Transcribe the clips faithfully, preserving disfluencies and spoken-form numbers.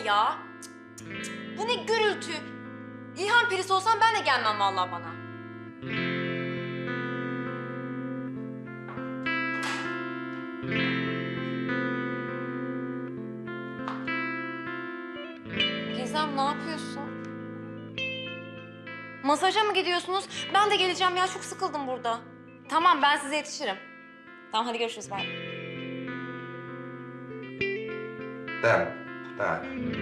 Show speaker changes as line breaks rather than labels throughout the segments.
ya. Cık, cık, cık. Bu ne gürültü. İlhan perisi olsam ben de gelmem vallahi bana. Gizem, ne yapıyorsun? Masaja mı gidiyorsunuz? Ben de geleceğim ya, çok sıkıldım burada. Tamam, ben size yetişirim. Tamam, hadi görüşürüz, bay.
Tamam, tamam.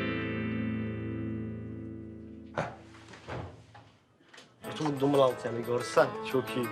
Oturdum lan seni görsen çok iyi.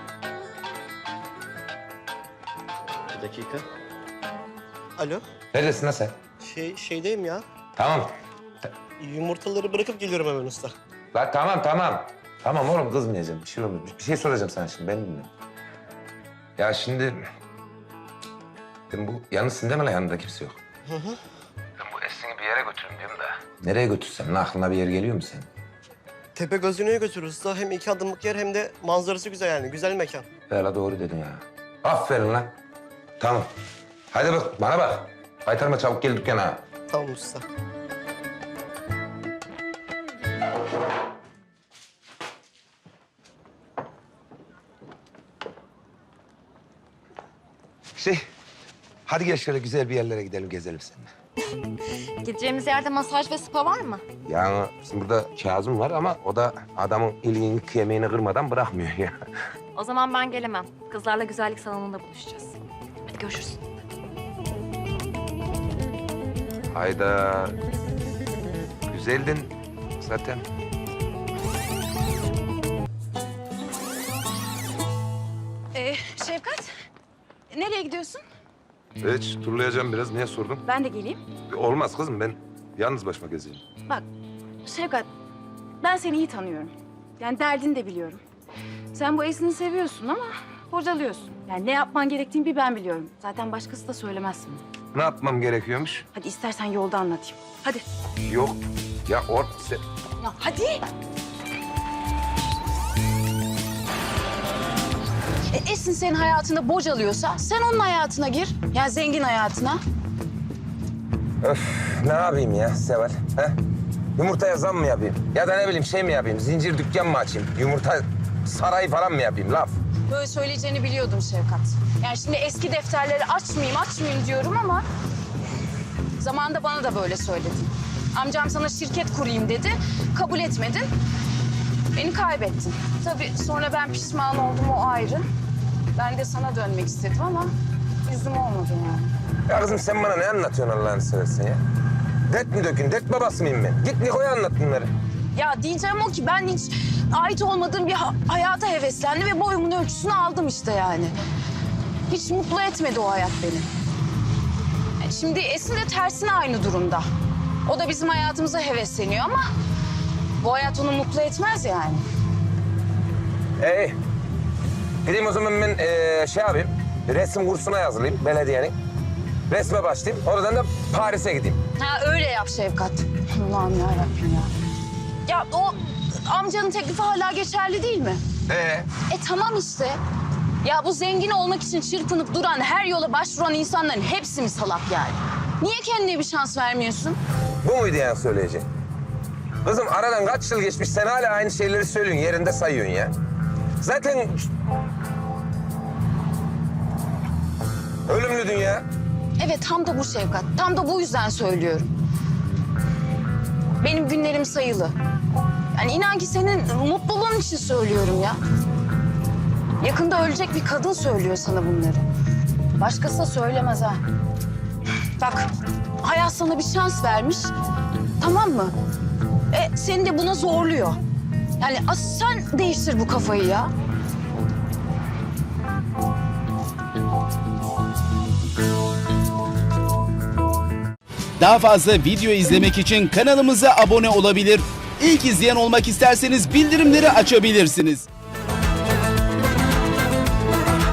Bir dakika. Alo,
Neredesin lan sen?
şey şeydeyim ya.
Tamam.
Yumurtaları bırakıp geliyorum hemen usta.
La tamam, tamam. Tamam oğlum, kızmayacağım. Bir şey olmaz. Bir şey soracağım sana şimdi, ben dinle. Ya şimdi... Ben bu... Yalnızsın değil mi lan? Yanında kimse yok.
Hı hı.
Ben bu Esin'i bir yere götürün diyorum da. Nereye götürsem? Lan aklına bir yer geliyor mu senin?
Tepe gözlüğüne götürürüz usta. Hem iki adımlık yer hem de manzarası güzel yani. Güzel mekan.
Ya la doğru dedin ya. Aferin lan. Tamam. Hadi bak, bana bak. Kaytarma, çabuk gel dükkana.
Tamam usta.
Şey, hadi gel şöyle güzel bir yerlere gidelim, gezelim seninle.
Gideceğimiz yerde masaj ve spa var mı?
Yani bizim burada Kazım var ama o da adamın iliğini, kemiğini kırmadan bırakmıyor ya.
O zaman ben gelemem. Kızlarla güzellik salonunda buluşacağız. Hadi görüşürüz.
Hayda. Güzeldin zaten.
Ee, Şefkat, nereye gidiyorsun?
Evet, turlayacağım biraz. Niye sordun?
Ben de geleyim.
Olmaz kızım, ben yalnız başıma gezeyim.
Bak, Şefkat, ben seni iyi tanıyorum. Yani derdini de biliyorum. Sen bu Esin'i seviyorsun ama bocalıyorsun. Yani ne yapman gerektiğini bir ben biliyorum. Zaten başkası da söylemez sana.
Ne yapmam gerekiyormuş?
Hadi istersen yolda anlatayım. Hadi.
Yok. Ya or... Sen...
Ya hadi. E, Esin senin hayatında bocalıyorsa sen onun hayatına gir. Yani zengin hayatına.
Öf, ne yapayım ya Seval? He? Yumurtaya zam mı yapayım? Ya da ne bileyim şey mi yapayım? Zincir dükkan mı açayım? Yumurta sarayı falan mı yapayım? Laf.
Böyle söyleyeceğini biliyordum Şevkat. Yani şimdi eski defterleri açmayayım, açmayayım diyorum ama... ...zamanında bana da böyle söyledin. Amcam sana şirket kurayım dedi, kabul etmedin. Beni kaybettin. Tabii sonra ben pişman oldum, o ayrı. Ben de sana dönmek istedim ama yüzüm olmadı yani.
Ya kızım sen bana ne anlatıyorsun Allah'ını seversen ya? Dert mi dökün? Dert babası mıyım ben? Git Niko'ya anlat bunları.
Ya diyeceğim o ki ben hiç ait olmadığım bir ha- hayata heveslendim ve boyumun ölçüsünü aldım işte yani. Hiç mutlu etmedi o hayat beni. Yani şimdi Esin de tersine aynı durumda. O da bizim hayatımıza hevesleniyor ama bu hayat onu mutlu etmez yani.
Ee, gideyim o zaman ben ee, şey yapayım. Resim kursuna yazılayım belediyenin. Resme başlayayım. Oradan da Paris'e gideyim.
Ha öyle yap Şefkat. Allah'ım yarabbim ya. Ya o amcanın teklifi hala geçerli değil mi?
Ee,
E tamam işte. Ya bu zengin olmak için çırpınıp duran, her yola başvuran insanların hepsi mi salak yani? Niye kendine bir şans vermiyorsun?
bu muydu yani söyleyeceğin? Kızım aradan kaç yıl geçmiş, sen hala aynı şeyleri söylüyorsun, yerinde sayıyorsun ya. Zaten... Ölümlü dünya.
Evet tam da bu Şevkat. Tam da bu yüzden söylüyorum. Benim günlerim sayılı. Yani inan ki senin mutluluğun için söylüyorum ya. Yakında ölecek bir kadın söylüyor sana bunları. Başkası da söylemez ha. Bak hayat sana bir şans vermiş. Tamam mı? E seni de buna zorluyor. Yani as sen değiştir bu kafayı ya.
Daha fazla video izlemek için kanalımıza abone olabilir. İlk izleyen olmak isterseniz bildirimleri açabilirsiniz.